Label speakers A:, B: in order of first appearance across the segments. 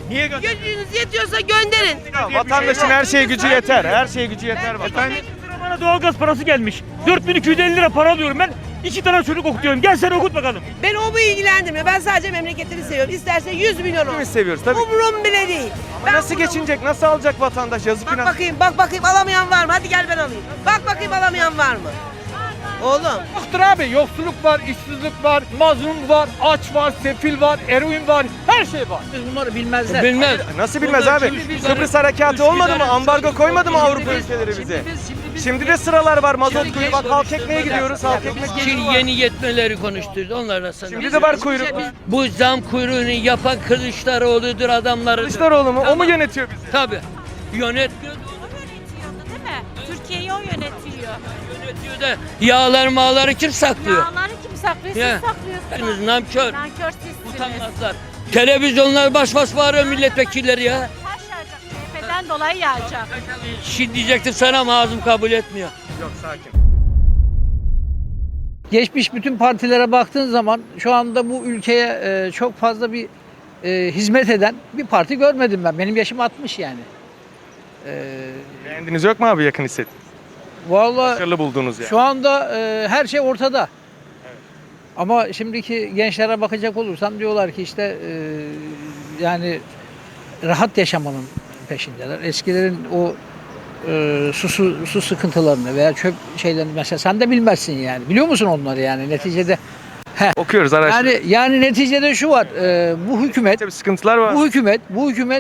A: Niye gönderin?
B: Gücünüz yetiyorsa gönderin.
C: Vatandaşın her şeye gücü yeter. Her şeye gücü yeter vatandaş.
A: Bana doğalgaz parası gelmiş. 4250 lira para alıyorum ben. 2 tane çocuk okutuyorum. Gel sen okut bakalım.
B: Ben o bu ilgilendirmiyor. Ben sadece memleketini seviyorum. İsterse 100 milyon olsun.
C: Hepimiz seviyoruz tabii.
B: Umurum bile değil.
C: Ama nasıl
B: bunu-
C: geçinecek? Nasıl alacak vatandaş? Yazık günah.
B: Bak bakayım alamayan var mı? Hadi gel ben alayım. Bak bakayım alamayan var mı? Oğlum.
D: Yoktur abi. Yoksulluk var, işsizlik var, mazlum var, aç var, sefil var, eroin var. Her şey var.
E: Bunları bilmezler.
A: Bilmez.
C: Nasıl bilmez abi? Kıbrıs harekatı olmadı mı? Ambargo koymadı mı Avrupa ülkeleri bize? Şimdi de sıralar var. Mazot kuyruğu. Bak halk ekmeğe gidiyoruz. Halk ekmek
F: Şimdi yeni yetmeleri konuşturdu. Onlarla sana.
C: Şimdi de var kuyruk.
F: Bu zam kuyruğunu yapan Kılıçdaroğlu'dur, adamları.
C: Kılıçdaroğlu mu? O mu yönetiyor bizi?
F: Tabii. Yönetmiyor.
G: Yönetiyordu değil mi? Türkiye'yi o yönetiyor.
F: Yönetiyor da yağlar mağları kim saklıyor?
G: Yağları kim saklıyor? Siz
F: Ya.
G: saklıyorsunuz.
F: Nankör.
G: Nankör sizsiniz.
F: Utanmazlar. Televizyonlar baş bağırıyor milletvekilleri ya.
G: Taş yağacak. CHP'den dolayı yağacak.
F: Şimdi diyecektim sana ama ağzım kabul etmiyor.
C: Yok sakin.
E: Geçmiş bütün partilere baktığın zaman şu anda bu ülkeye çok fazla bir hizmet eden bir parti görmedim ben. Benim yaşım 60 yani.
C: Beğendiniz yok mu abi yakın hisset?
E: Vallahi
C: Başarılı buldunuz yani.
E: şu anda her şey ortada. Ama şimdiki gençlere bakacak olursan diyorlar ki işte yani rahat yaşamanın peşindeler. Eskilerin o su sıkıntılarını veya çöp şeylerini mesela sen de bilmezsin yani. Biliyor musun onları yani neticede?
C: Okuyoruz araştırıyoruz.
E: Yani neticede şu var. Bu hükümet
C: Tabii sıkıntılar var.
E: bu hükümet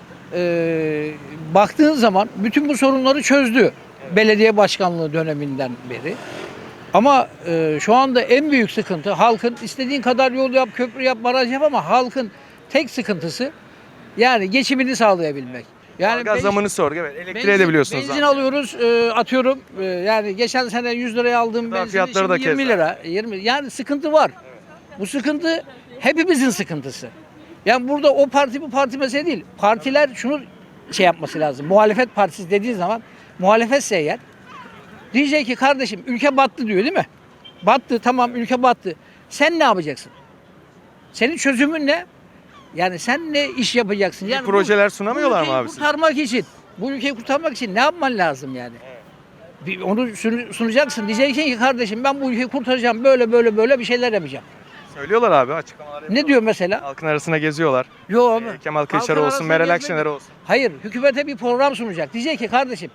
E: baktığın zaman bütün bu sorunları çözdü. Belediye başkanlığı döneminden beri. Ama şu anda en büyük sıkıntı halkın istediğin kadar yol yap, köprü yap, baraj yap ama halkın tek sıkıntısı yani geçimini sağlayabilmek. Yani
C: Gaz zamını sor. Evet, elektriğe de biliyorsunuz.
E: Benzin alıyoruz, atıyorum. Yani geçen sene 100 liraya aldığım
C: Gıda
E: benzin
C: fiyatları da
E: şimdi 20
C: keza.
E: lira. 20. Yani sıkıntı var. Bu sıkıntı hepimizin sıkıntısı. Yani burada o parti bu parti mesele değil. Partiler şunu şey yapması lazım. Muhalefet partisi dediği zaman muhalefetse eğer diyecek ki kardeşim ülke battı diyor değil mi? Battı tamam ülke battı. Sen ne yapacaksın? Senin çözümün ne? Yani sen ne iş yapacaksın? Yani
C: projeler sunamıyorlar mı
E: ülkeyi
C: abi siz?
E: kurtarmak için, bu ülkeyi kurtarmak için ne yapman lazım yani? Onu sunacaksın. Diyeceksin ki kardeşim ben bu ülkeyi kurtaracağım. Böyle bir şeyler yapacağım.
C: Söylüyorlar abi açıklamalar yapıyorlar.
E: Ne diyor mesela?
C: Halkın arasına geziyorlar.
E: Yok abi.
C: Kemal Kılıçdaroğlu olsun, Meral Akşener olsun.
E: Hayır, hükümete bir program sunacak. Diyecek ki kardeşim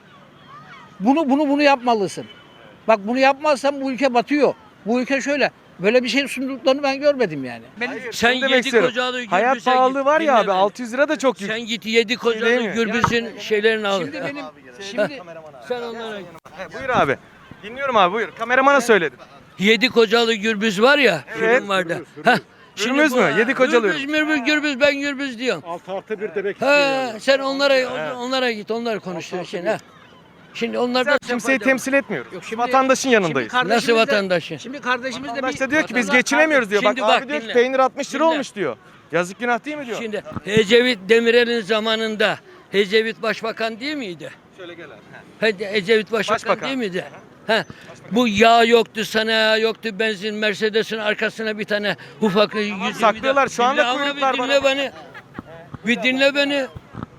E: bunu yapmalısın. Bak bunu yapmazsan bu ülke batıyor. Bu ülke şöyle. Böyle bir şey sunduklarını ben görmedim yani.
F: Sen
C: Şunu demek
F: yedi
C: istiyorum.
F: kocalı
C: Hayat
F: gürbüze
C: pahalılığı
F: git,
C: var ya
F: dinle
C: abi
F: beni.
C: 600 lira da çok yüksek.
F: Sen git 7 kocalı
C: değil mi?
F: gürbüzün şeylerini al.
E: Şimdi
F: Sen onlara
C: Buyur abi. Dinliyorum abi buyur. Kameramana söyledin.
F: 7 kocalı gürbüz var ya.
C: Evet.
F: Film vardı. Heh.
C: Gürbüz mü? 7 kocalı.
F: Gürbüz ben gürbüz diyorum.
D: 6+1 demek
F: Ha, sen onlara git, onları konuştur şimdi. Ha. Şimdi onlar da
C: Kimseyi temsil etmiyoruz.
E: Yok, şimdi-
C: Vatandaşın yanındayız.
F: Nasıl vatandaşın?
E: Şimdi kardeşimiz de
C: Vatandaş da diyor ki biz geçinemiyoruz diyor.
F: Şimdi
C: Bak
F: bak,
C: abi diyor ki
F: dinle.
C: peynir 60 lira
F: Dinle.
C: olmuş diyor. Yazık günah değil mi diyor.
F: Şimdi Ecevit Demirel'in zamanında Ecevit başbakan değil miydi?
C: Şöyle gel abi.
F: Ecevit başbakan değil miydi? Ha. Bu yağ yoktu, sanayi yoktu, benzin, Mercedes'in arkasına bir tane ufak
C: saklıyorlar, şu anda
F: Dinle ama
C: kuyruklar
F: bir
C: var.
F: dinle beni. Bir dinle beni. Evet.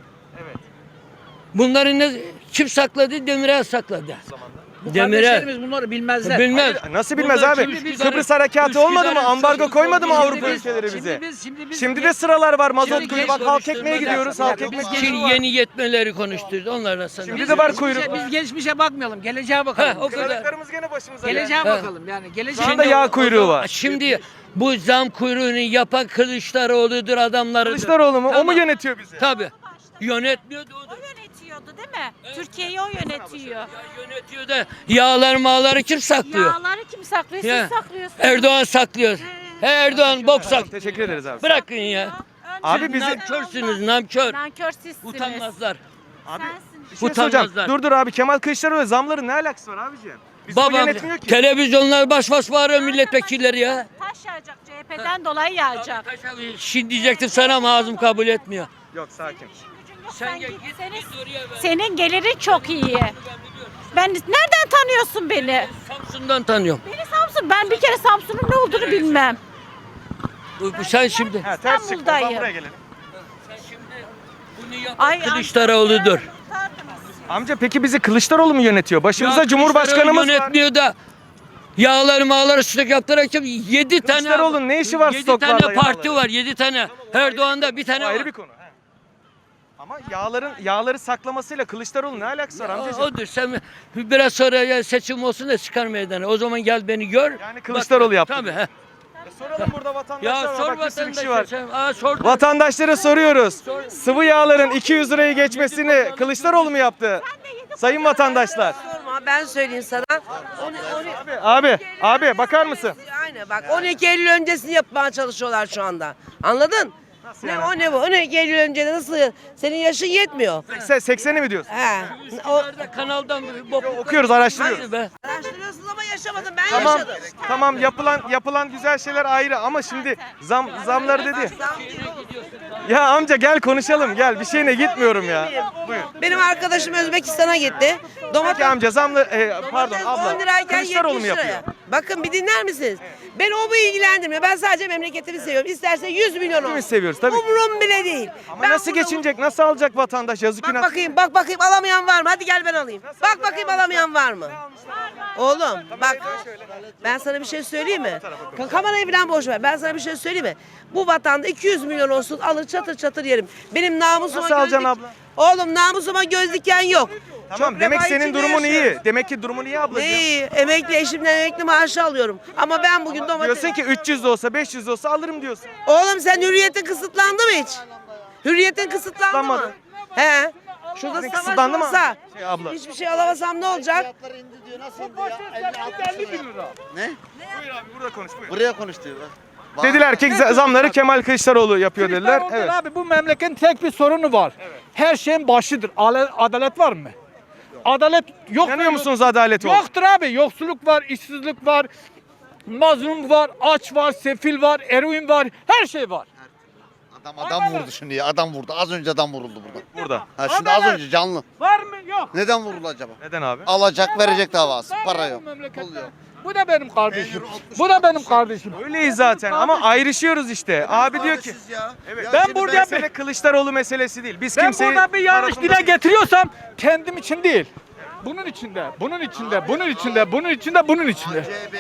F: Bunları kim sakladı? Demirel sakladı. Demirel.
E: kardeşlerimiz bunları bilmezler.
F: Bilmez.
C: Nasıl bilmez
F: Bunlar
C: abi?
F: kim-
C: Kıbrıs harekatı olmadı mı? Ambargo koymadı mı Avrupa
F: Şimdi
C: ülkeleri bize?
E: Şimdi
C: Şimdi de sıralar var. Mazot
E: Şimdi
C: kuyruğu. Bak halk ekmeğe gidiyoruz. Halk ekmek
F: Şimdi yeni yetmeleri konuşturdu. Onlarla sana.
C: Şimdi de var kuyruk.
E: Biz geçmişe bakmayalım, geleceğe bakalım.
F: Ha, o kadar.
C: Kılıçlarımız gene başımıza geldi.
E: Geleceğe bakalım yani. Geleceğe
C: Şu anda yağ kuyruğu var.
F: Şimdi bu zam kuyruğunu yapan Kılıçdaroğlu'dur, adamları.
C: Kılıçdaroğlu mu? O mu yönetiyor bizi?
F: Tabii. Yönetmiyordu o da.
G: O yönetiyordu değil mi? Türkiye'yi o yönetiyor.
F: Ya yönetiyor da yağlar mağları kim saklıyor?
G: Yağları kim saklıyor?
F: Ya.
G: Siz saklıyorsunuz.
F: Erdoğan saklıyor. He Erdoğan bok saklıyor.
C: Teşekkür ederiz abi.
F: Bırakın ya.
C: Abi bizi
F: Namkörsünüz, namkör.
G: Nankör sizsiniz.
F: Utanmazlar.
G: Sensin.
C: bir şey soracağım.
F: Utanmazlar.
C: Dur abi Kemal Kılıçdaroğlu zamların ne alakası var abiciğim? Bizi o
F: Babam
C: yönetmiyor ki.
F: televizyonlar baş bağırıyor milletvekilleri ya.
G: Taş yağacak. CHP'den dolayı yağacak.
F: Şimdi diyecektim sana ama ağzım kabul etmiyor.
C: Yok sakin.
F: Sen git,
G: Senin,
F: git oraya ver.
G: senin gelirin çok iyi. Ben nereden tanıyorsun beni?
F: Samsun'dan tanıyorum.
G: Beni Samsun. Ben bir kere Samsun'un ne olduğunu bilmem.
F: Sen şimdi
C: Ha, ters çıktı. O zaman
G: İstanbul'dayım.
C: buraya gelelim.
G: Ay,
F: Kılıçdaroğlu'dur.
C: Amca peki bizi Kılıçdaroğlu mu yönetiyor? Başımıza
F: Ya
C: Cumhurbaşkanımız
F: Kılıçdaroğlu
C: var.
F: yönetmiyor da yağları mağları stok yaptırarak 7 tane
C: Kılıçdaroğlu'nun ne işi var
F: 7
C: stoklarla,
F: tane parti
C: yağları?
F: var. 7 tane. Erdoğan'da bir
C: Bu
F: tane
C: ayrı
F: var.
C: bir konu. He. Ama yağları saklamasıyla Kılıçdaroğlu ne alakası var amcacığım?
F: Odur. Sen biraz sonra ya seçim olsun da çıkar meydana. O zaman gel beni gör.
C: Yani Kılıçdaroğlu yaptı.
F: Tabii. He.
C: Soralım burada vatandaşlara.
F: Ya sor
C: Bak bir sürü kişi
F: vatandaşa
C: var.
F: sen. Sor.
C: Vatandaşlara soruyoruz. Sıvı yağların 200 lirayı geçmesini Kılıçdaroğlu mu yaptı? Sayın vatandaşlar.
B: Sorma ben söyleyeyim sana.
C: Abi bakar mısın?
B: Aynen bak 12 Eylül öncesini yapmaya çalışıyorlar şu anda. Anladın? Ne bu? 12 Eylül önce nasıl? Senin yaşın yetmiyor.
C: 80'i mi diyorsun?
B: He. O,
F: Nerede kanaldan
C: Okuyoruz, araştırıyoruz.
F: Hadi be.
B: araştırıyorsunuz ama yaşamadım. Ben
C: Tamam,
B: yaşadım.
C: tamam yapılan güzel şeyler ayrı ama şimdi zamları dedi.
B: Zam değil oğlum.
C: Ya amca gel konuşalım gel bir şeyine gitmiyorum ya. Buyur.
B: Benim arkadaşım Özbekistan'a gitti. Domates
C: Peki amca pardon abla
B: 10 lirayken
C: Kılıçdaroğlu
B: 70
C: mu
B: liraya.
C: yapıyor?
B: Bakın bir dinler misiniz? Ben o bu ilgilendirmiyor. Ben sadece memleketimi seviyorum. İsterse 100 milyon olsun.
C: Hepimiz seviyoruz tabii.
B: Umurum bile değil.
C: Ama
B: Ben
C: nasıl
B: burada-
C: geçinecek nasıl alacak vatandaş yazık
B: Bak
C: günah.
B: bakayım alamayan var mı? Hadi gel ben alayım. Bak bakayım alamayan var mı? Oğlum bak ben sana bir şey söyleyeyim mi? Kamerayı falan boş ver. Ben sana bir şey söyleyeyim mi? Bu vatanda 200 milyon olsun alır çatır çatır yerim. Benim namusuma
C: Nasıl alacaksın
B: göz
C: abla?
B: Oğlum namusuma göz diken yok.
C: Tamam
B: Çok
C: demek
B: refah
C: senin
B: içinde
C: durumun iyi.
B: yaşıyorum.
C: Demek ki durumun iyi ablacığım.
B: Ne iyi? Emekli eşimden emekli maaşı alıyorum. Ama ben bugün domates...
C: Diyorsun ki 300 de olsa 500 de olsa alırım diyorsun.
B: Oğlum sen hürriyetin kısıtlandı mı hiç? Hürriyetin kısıtlandı mı?
C: Kısıtlanmadı.
B: He. Şurada
C: Senin
B: savaş
C: kısıtlandı mı?
B: olsa
C: Abla.
B: hiçbir şey alamasam ne olacak?
H: Ne?
C: Buyur abi burada konuş buyur.
H: Buraya konuştu.
C: Dediler ki zamları Kemal Kılıçdaroğlu yapıyor dediler.
D: Kılıçdaroğlu
C: Evet.
D: abi bu memleketin tek bir sorunu var. Her şeyin başıdır. Adalet var mı? Adalet yok.
C: İnanıyor musunuz adalet olur?
D: Yoktur abi. Yoksulluk var, işsizlik var, mazlum var, aç var, sefil var, eroin var, her şey var.
H: Adam vurdu şimdi ya. Adam vurdu. Az önce adam vuruldu burada.
C: Burada.
H: Ha şimdi az önce canlı.
D: Var mı? Yok.
H: Neden vuruldu acaba?
C: Neden abi?
H: Alacak verecek davası. Para yok.
D: Memlekette.
H: Oluyor.
D: Bu da benim kardeşim. Bu da benim kardeşim.
C: Öyleyiz zaten ama ayrışıyoruz işte. Abi diyor ki
H: Evet.
D: Ben burada
C: mesele Kılıçdaroğlu meselesi değil. Biz
D: Ben
C: kimseyi
D: burada bir yanlış
C: tarafında
D: dile
C: değil.
D: getiriyorsam kendim için değil. Bunun içinde, bunun içinde, bunun içinde, bunun içinde, bunun içinde.
H: CHP,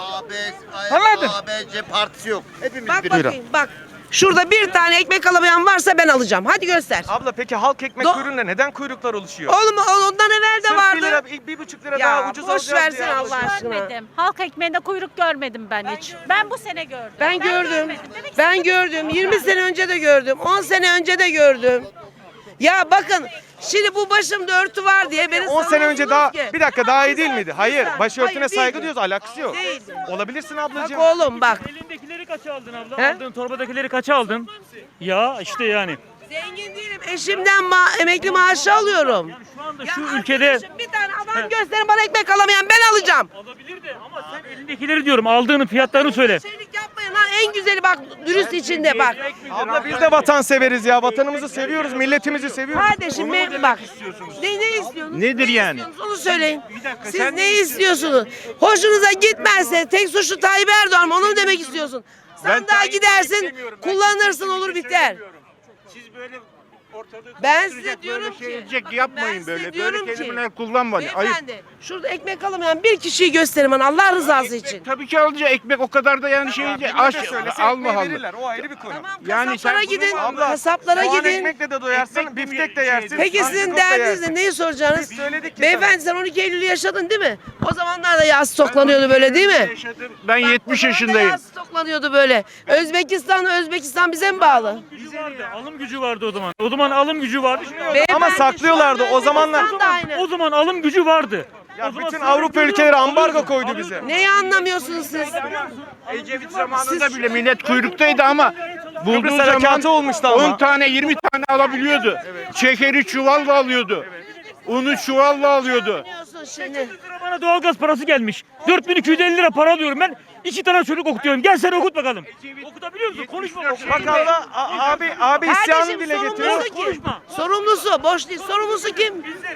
D: Anladın?
H: ABC partisi yok. Hepimiz
B: Bak
H: bir.
B: bakayım bak. Şurada bir tane ekmek alamayan varsa ben alacağım. Hadi göster.
C: Abla peki halk ekmek
B: Do-
C: kuyruğunda neden kuyruklar oluşuyor?
B: Oğlum ondan evvel de
C: Sırf
B: vardı.
C: 1 lira, 1,5 lira
B: Ya,
C: daha ucuz
B: boş
C: alacağız
B: versene
C: diye.
B: Allah aşkına.
G: Görmedim. Halk ekmeğinde kuyruk görmedim ben hiç. Ben bu sene gördüm.
B: Ben gördüm.
G: görmedim. Demek ki
B: Ben gördüm. 20 sene önce de gördüm. 10 sene önce de gördüm. Ya bakın şimdi bu başımda örtü var diye beni
C: 10 sene önce daha
B: savunuyorsunuz ki.
C: bir dakika daha iyi değil miydi? Hayır, başörtüne
B: Hayır,
C: saygı
B: değil.
C: diyoruz, alakası yok.
B: Değil.
C: Olabilirsin
B: Bak
C: ablacığım.
B: oğlum bak.
A: Elindekileri kaça aldın abla?
B: He?
A: Aldığın torbadakileri kaça aldın? Ya işte yani.
B: Zengin değilim. Eşimden emekli maaşı alıyorum.
A: Şu anda
B: Ya
A: şu ülkede
B: arkadaşım, bir tane adam gösterin bana ekmek alamayan ben alacağım.
A: alabilir de ama sen elindekileri diyorum aldığının fiyatlarını söyle.
B: Şeylik yapmayın lan en güzeli bak dürüst içinde bak.
C: Abla biz de vatan severiz ya. Vatanımızı seviyoruz, milletimizi seviyoruz.
B: Kardeşim benim bak. Ne istiyorsunuz?
I: Nedir
B: Ne
I: yani?
B: istiyorsunuz? Onu söyleyin. Siz ne istiyorsunuz? Hoşunuza gitmezse tek suçlu Tayyip Erdoğan mı? Onu mu demek istiyorsun? Sandığa gidersin, kullanırsın olur biter.
I: Siz böyle ortalığı
B: Ben size
I: karıştıracak,
B: diyorum
I: böyle
B: ki,
I: şey edecek
B: bakın
I: yapmayın
B: ben size
I: böyle.
B: diyorum
I: Böyle
B: ki,
I: kelimeler kullanmayın. Ayıp.
B: Beyefendi, şurada ekmek alamayan bir kişiyi gösterin bana Allah rızası için.
I: Tabii ki alacak ekmek o kadar da yani şey aç
C: Söylese
I: alma
C: ekmeği
I: Allah.
C: verirler. O ayrı bir konu.
B: Tamam
I: Yani
B: kasaplara
I: sen
B: gidin,
C: Abla,
B: kasaplara
C: soğan
B: gidin.
C: ekmekle de doyarsın,
I: Ekmek de
C: biftek de
I: mi
C: yersin.
B: Peki sizin
C: antrikot da
B: derdiniz
C: yersin.
B: ne? Neyi soracaksınız?
C: Biz söyledik ki
B: Beyefendi sen 12 Eylül'ü yaşadın değil mi? O zamanlar da yağ stoklanıyordu böyle değil mi?
I: Yaşadım. Ben
B: Bak,
I: 70
B: o zaman da
I: yaşındayım.
B: Yağ stoklanıyordu böyle. Özbekistan bize mi bağlı?
A: Gücü vardı, alım gücü vardı o zaman. O zaman alım gücü vardı.
C: Ama saklıyorlardı o zamanlar.
B: Özbekistan da aynı.
A: O zaman alım gücü vardı.
C: Ya
A: O zaman
C: bütün
A: sen
C: Avrupa
A: alıyordun,
C: ülkeleri ambargo
A: alıyordun,
C: koydu
A: alıyordun.
C: bize.
B: Neyi anlamıyorsunuz siz?
I: Ecevit zamanında bile millet kuyruktaydı ama bulduğu
C: Kıbrıs
I: zaman
C: harekatı olmuştu ama.
I: 10 tane 20 tane alabiliyordu. Şekeri çuvalla alıyordu. Unu çuvalla alıyordu.
B: Anlamıyorsun şimdi.
A: 800 lira bana doğalgaz parası gelmiş. 4250 lira para alıyorum ben. 2 tane çocuk okutuyorum. Gel sen okut bakalım. Okutabiliyor musun? Konuşma.
C: Bak abla, abi isyanı
B: Kardeşim
C: dile getiriyor.
B: sorumlusu kim?
A: Konuşma.
B: Sorumlusu boş değil. Sorumlusu kim?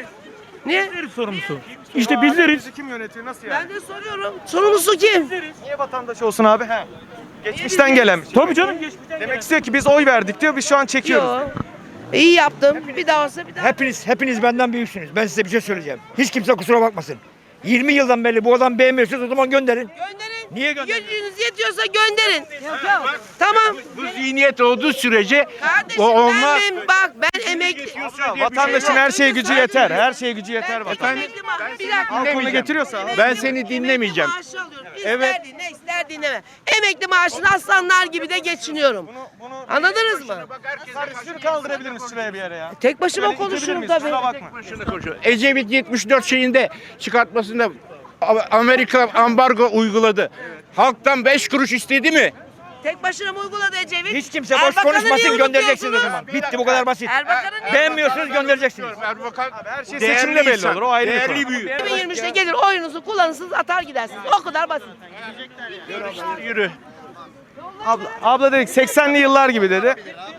B: Niye?
A: Bizleriz sorumlusu. İşte bizleriz.
C: Bizi kim yönetiyor, nasıl yani?
B: Ben de soruyorum. Sorumlusu kim?
C: Niye vatandaş olsun abi? He. Geçmişten gelen.
A: Tabii canım geçmişten
C: Demek istiyor ki biz oy verdik diyor. Biz şu an çekiyoruz.
B: Yo. İyi yaptım. Bir daha olsa bir daha.
D: Hepiniz benden büyüksünüz. Ben size bir şey söyleyeceğim. Hiç kimse kusura bakmasın. 20 yıldan beri bu adam beğenmiyorsunuz, o zaman gönderin.
B: Gönderin.
D: Niye gönderin?
B: Gücünüz yetiyorsa gönderin. Tamam.
I: Bu zihniyet olduğu sürece
B: Kardeşim
I: onlar
B: ben emekli.
C: Vatandaşın her şeye gücü yeter. Her şeye gücü yeter vatan.
B: Emekli maaşı. Bir dakika.
C: Halk getiriyorsa.
I: Ben seni dinlemeyeceğim.
B: Emekli maaşı alıyorum. İster dinle ister dinleme. Emekli maaşını aslanlar gibi de geçiniyorum. Anladınız mı?
C: Şunu kaldırabilir misin şuraya bir yere ya?
B: Tek başıma
C: Şöyle itebilir
B: konuşurum
C: miyiz?
B: tabii.
C: Kusura bakma.
I: Ecevit 74 şeyinde çıkartmasında Amerika ambargo uyguladı. Halktan 5 kuruş istedi mi?
B: Tek başına mı uyguladı Ecevit?
D: Hiç kimse boş
B: Erbakan'ı niye
D: konuşmasın, göndereceksiniz o
B: unutuyorsunuz?
D: zaman. Bitti, bu kadar basit.
B: Erbakan'ı niye
D: Beğenmiyorsunuz, göndereceksiniz.
I: Erbakan
C: Her şey
I: değerli
C: seçimde belli
I: insan,
C: olur. O ayrı bir
I: değerli
C: konu.
I: büyük.
B: 2023'te gelir oyunuzu kullanırsınız atar gidersiniz. O kadar basit.
I: Yürü.
C: Abla dedik 80'li yıllar gibi dedi.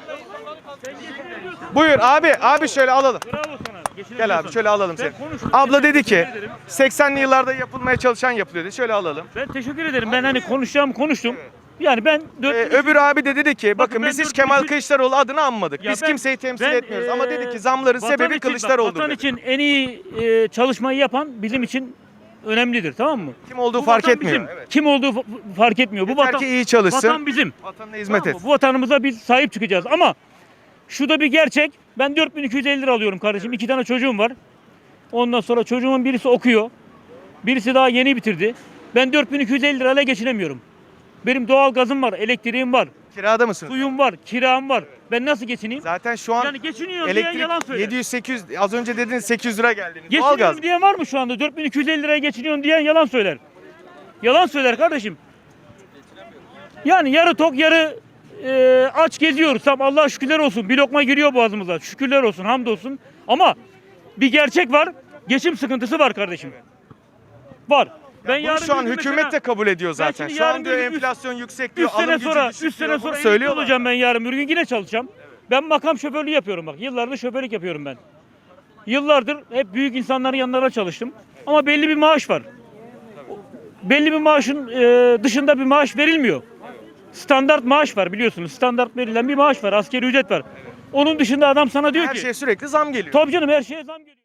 C: Buyur abi şöyle alalım.
A: Bravo sana.
C: Gel abi şöyle alalım seni.
A: Ben konuştum.
C: Abla dedi ki
A: Teşekkür ederim.
C: 80'li yıllarda yapılmaya çalışan yapılıyor dedi. Şöyle alalım.
A: Ben teşekkür ederim. Ben hani konuşacağımı konuştum. Yani ben 4
C: Öbür abi de dedi ki bakın
A: ben
C: biz hiç
A: 4
C: Kemal
A: bin-
C: Kılıçdaroğlu adını anmadık.
A: Ya
C: Biz
A: ben-
C: kimseyi temsil
A: ben,
C: etmiyoruz ama dedi ki zamların
A: vatan
C: sebebi
A: için-
C: Kılıçdaroğlu'dur
A: Vatan
C: dedi.
A: için en iyi çalışmayı yapan bizim için önemlidir, tamam mı?
C: Kim olduğu
A: Bu
C: fark
A: vatan
C: etmiyor.
A: bizim. Kim olduğu fark etmiyor. Bu
C: Yeter
A: vatan
C: ki iyi çalışsın.
A: Vatan bizim.
C: Vatanına hizmet
A: Tamam
C: et.
A: mı? Bu vatanımıza biz sahip çıkacağız ama şu da bir gerçek. Ben 4250 lira alıyorum kardeşim. 2 tane çocuğum var. Ondan sonra çocuğumun birisi okuyor. Birisi daha yeni bitirdi. Ben 4250 lirayla geçinemiyorum. Benim doğal gazım var, elektriğim var,
C: Kirada mısınız?
A: suyum var, kiram var. Ben nasıl geçineyim?
C: Zaten şu an
A: Yani geçiniyorum diyen yalan
C: elektrik
A: söyler.
C: 700-800 az önce dediniz 800 lira geldiniz.
A: Geçiniyorum
C: Doğalgaz.
A: diyen var mı şu anda? 4250 liraya geçiniyorum diyen yalan söyler. Yalan söyler kardeşim. Yani yarı tok yarı aç geziyoruz. Tamam, Allah'a şükürler olsun. Bir lokma giriyor boğazımıza. Şükürler olsun, hamdolsun. Ama bir gerçek var. Geçim sıkıntısı var kardeşim. Var. Ben
C: Bunu şu an
A: bir gün
C: hükümet
A: mesela-
C: de kabul ediyor zaten.
A: şimdi
C: Şu an
A: yarın
C: diyor
A: bir gün
C: enflasyon yüksek diyor.
A: 3 sene
C: alım gücü
A: sonra
C: düşük
A: 3 sene
C: diyor.
A: sonra
C: Bunu
A: emekli
C: söylüyorlar.
A: olacağım ben yarın bir gün yine çalışacağım. Ben makam şoförlüğü yapıyorum bak. Yıllardır şoförlük yapıyorum ben. Yıllardır hep büyük insanların yanlarına çalıştım. Ama belli bir maaş var. Belli bir maaşın dışında bir maaş verilmiyor. Standart maaş var biliyorsunuz. Standart verilen bir maaş var. Asgari ücret var. Onun dışında adam sana diyor
C: Her
A: ki
C: şeye sürekli zam geliyor.
A: tabii canım her şeye zam geliyor.